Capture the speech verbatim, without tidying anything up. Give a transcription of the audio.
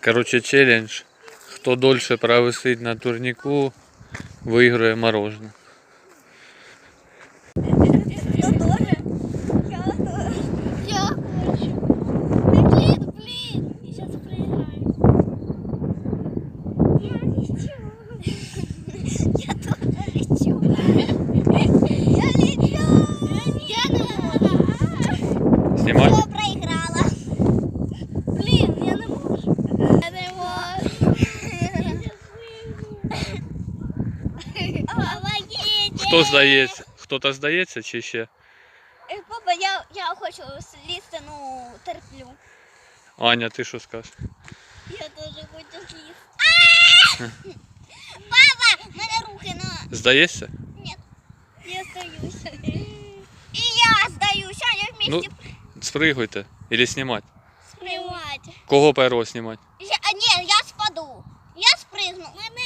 Короче, челлендж. Хто дольше провисить на турніку, виграє мороженое. Я тоже. Я тоже. Я хочу. Блин, блин. Я сейчас проиграю. Я лечу. Я тоже лечу. Я лечу. Я не могу. Снимай. Я проиграла. Блин, я не могу. Я не могу. Помогите. Хто здається? Хто-то здається чи ще? Е, Папа, я, я хочу слізти, ну, терплю. Аня, ти що скажеш? Я тоже хочу слізти. Папа, в мене руки на... Здаєшся? Нет, я сдаюсь. И я сдаюсь, а я Ну, вместе спригуйте. Или знімати. спрыгать. Кого першого знімати? Я, а, нет, я спаду. Я спрыгну. Мене